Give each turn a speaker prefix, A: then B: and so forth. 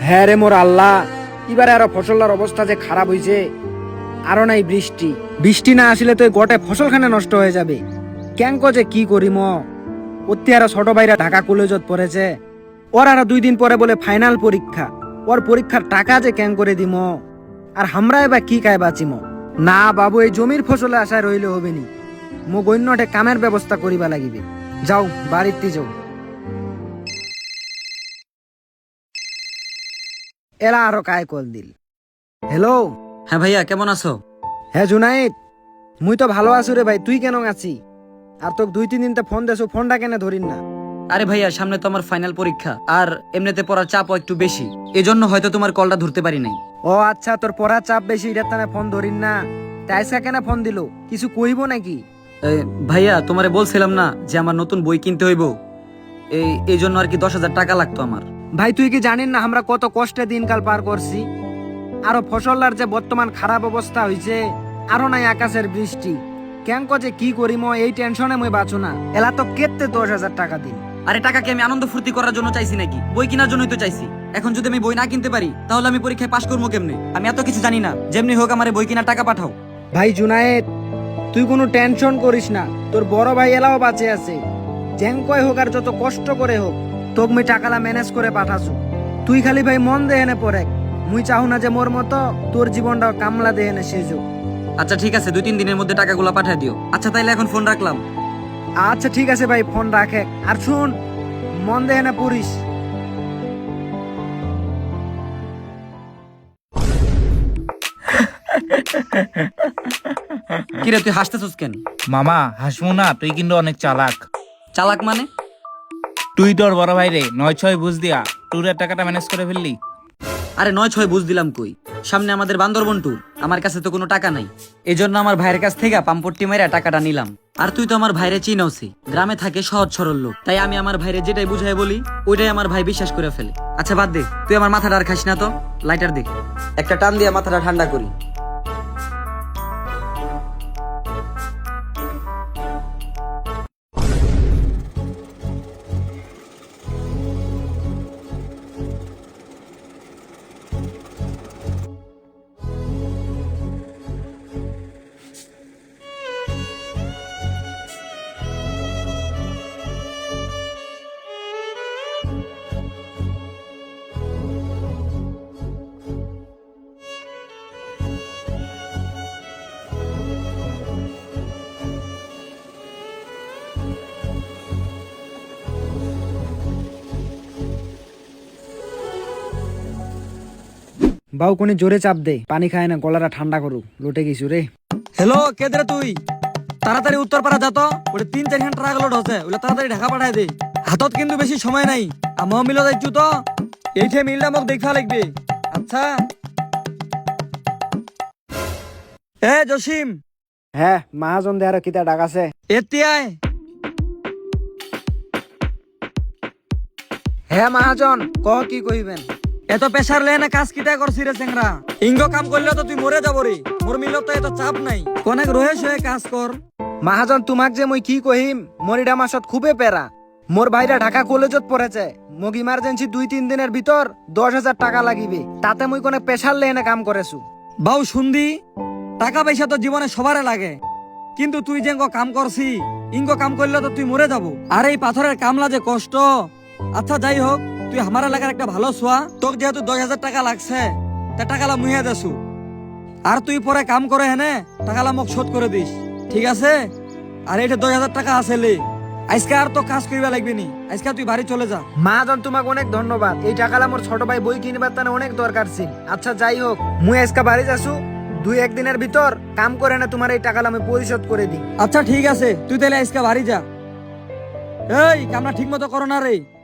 A: হ্যাঁ রে মোর আল্লাহ, এবারে আরো ফসলের অবস্থা যে খারাপ হইছে। আরো নাই বৃষ্টি, বৃষ্টি না আসলে তো গোটে ফসলখানে নষ্ট হয়ে যাবে। ক্যাঙ্ক যে কি করিম, অতি আরো ছোট ভাইরা ঢাকা কলেজত পড়েছে। ওর আরো 2 দিন পরে বলে ফাইনাল পরীক্ষা। ওর পরীক্ষার টাকা যে ক্যাং করে দিম, আর আমরা এবার কি কায় বাঁচিম। না বাবু, এই জমির ফসলে আশায় রইলে হবে নি। মো গণ্যটে কামের ব্যবস্থা করিবা লাগিবে। যাও বাড়িতে যাও। এরা আরো কায় কল দিল। হ্যালো।
B: হ্যাঁ ভাইয়া, কেমন আছো?
A: হ্যাঁ জুনাইদ, মুই তো ভালো আছো রে ভাই। তুই কেন আছি? আর তোকে 2-3 দিন ফোন দেছো, ফোনটা কেন ধরিন না?
B: আরে ভাইয়া, সামনে তো আমার ফাইনাল পরীক্ষা, আর এমনিতে পড়ার চাপও একটু বেশি, এজন্য হয়তো তোমার কলটা ধরতে পারি নাই।
A: ও আচ্ছা, তোর পড়ার চাপ বেশি, এটার তানে ফোন ধরিন না। তাই আজকে কেন ফোন দিল? কিছু কইব নাকি?
B: ভাইয়া, তোমারে বলছিলাম না যে আমার নতুন বই কিনতে হইব, এই জন্য আর কি 10,000 টাকা লাগতো আমার।
A: ভাই তুই কি জানিস না আমরা কত কষ্টে দিনকাল পার করছি? আরো ফসলার যে বর্তমান খারাপ অবস্থা হইছে, আরো নাই আকাশের বৃষ্টি। কেঙ্ক যে কি করিম এই টেনশনে মই বাঁচো না। এলা তো কেতে 10,000 টাকা দিন।
B: আরে টাকা কি আমি আনন্দ ফুর্তি করার জন্য চাইছি নাকি? বই কেনার জন্যই তো চাইছি। এখন যদি আমি বই না কিনতে পারি, তাহলে আমি পরীক্ষায় পাশ করবো কেমনে? আমি এত কিছু জানি না। যেমনি হোক আমার বই কেনার টাকা পাঠাও।
A: ভাই জুনায়েদ, তুই কোনো টেনশন করিস না। তোর বড় ভাই এলাও বাঁচে আছে। যেঙ্কয় হোক আর যত কষ্ট করে হোক, তোক মুই টাকালা ম্যানেজ করে পাঠাছু। তুই খালি ভাই মন দেহেনে পড়ে। মুই চাহু না যে মোর মতো তোর জীবনটা কামলা দেহেনে শেষ হোক।
B: আচ্ছা ঠিক আছে, 2-3 দিনের মধ্যে টাকাগুলো পাঠিয়ে দিও। আচ্ছা তাইলে এখন ফোন রাখলাম।
A: আচ্ছা ঠিক আছে ভাই, ফোন রাখে। আর শুন, মন দেহেনে পড়িস।
B: কিরে, তুই হাসতেছিস কেন?
C: মামা হাসমু না, তুই কিন্তু অনেক চালাক।
B: চালাক মানে?
C: তুই তোর বড় ভাই রে 9-6 বুঝ দিয়া ট্যুরের টাকাটা ম্যানেজ করে ফেললি।
B: আরে 9-6 বুঝ দিলাম কই? সামনে আমাদের বান্দরবন ট্যুর, আমার কাছে তো কোনো টাকা নাই। এই জন্য আমার ভাইয়ের কাছ থেকে পাম্পট্টি মেরে টাকাটা নিলাম। আর তুই তো আমার ভাইরে চিনওছি, গ্রামে থাকে সহজ সরল লোক, তাই আমি আমার ভাইরে যেটাই বুঝাই বলি ওইটাই আমার ভাই বিশ্বাস করে ফেলে। আচ্ছা বাদ দে, তুই আমার মাথাটা আর খাস না তো। লাইটার দে, একটা টান দিয়ে মাথাটা ঠান্ডা করি।
A: বাউ কোনি জোরে চাপ দে, পানি খায় না, গলাটা ঠান্ডা করু। লুটে গেছু রে।
B: হ্যালো, কেদরে তুই? তাড়াতাড়ি উত্তর পাড়া যা তো। ওটা 3-4 ঘন্টা ট্রাক লোড হচ্ছে, ওগুলো তাড়াতাড়ি ঢাকা পাঠায় দে। হাতত কিন্তু বেশি সময় নাই। আমিও মিল যাইছু তো, এইঠে মিলটা মোক দেখা লাগবে। আচ্ছা এ জসিম,
A: হ্যাঁ মহাজন দে, আর কিতা ডাকাছে?
B: এতিয়াই
A: হ্যাঁ মহাজন, কহ কি কইবেন?
B: এত প্রেসার লে না, কাজ কিটা করছি রে চেংরা? ইঙ্গ কাম করলে তো তুই মরে যাব রে। মোর মিলত তো এত চাপ নাই, অনেক রহেস হয়ে কাজ কর।
A: মহাজন তোমাক যে মই কি কহিম, মরিডা মাসত খুবই পেরা। মোর ভাইরা ঢাকা কলেজত পড়েছে। মোক ইমার্জেন্সি 2-3 দিনের ভিতর 10,000 টাকা লাগিবে। তাতে মই কোনে প্রেসার লেনে কাম করেছু।
B: বাউ শুনদি, টাকা পয়সা তো জীবনে সবারে লাগে, কিন্তু তুই যে কাম করছি, ইঙ্গ কাম করলে তো তুই মরে যাব। আর এই পাথরের কামলা যে কষ্ট। আচ্ছা যাই হোক, তুই আমার এলাকার একটা ভালো ছোয়া, তোর যেহেতু 10,000 টাকা লাগছে, তা টাকালা মুহিয়া দেছু। আর তুই পরে কাম করে হেনে টাকালা মোক শোধ করে দিস, ঠিক আছে? আর এইটা 10,000 টাকা আছে লে। আজকে আর তো কাজ করিবা লাগবে নি, আজকে তুই বাড়ি চলে যা।
A: মহাজন তোমাকে অনেক ধন্যবাদ। এই টাকালা মোর ছোট ভাই বই কিনবার তানে অনেক দরকার ছিল। আচ্ছা যাই হোক, মুই আজকে বাড়ি যাসু। 2-1 দিনের ভিতর কাম করে না তোমার এই টাকালা আমি পরিশোধ করে দিই।
B: আচ্ছা ঠিক আছে, তুই তাহলে আজকে বাড়ি যা। এই কামনা ঠিক মতো করো না রে।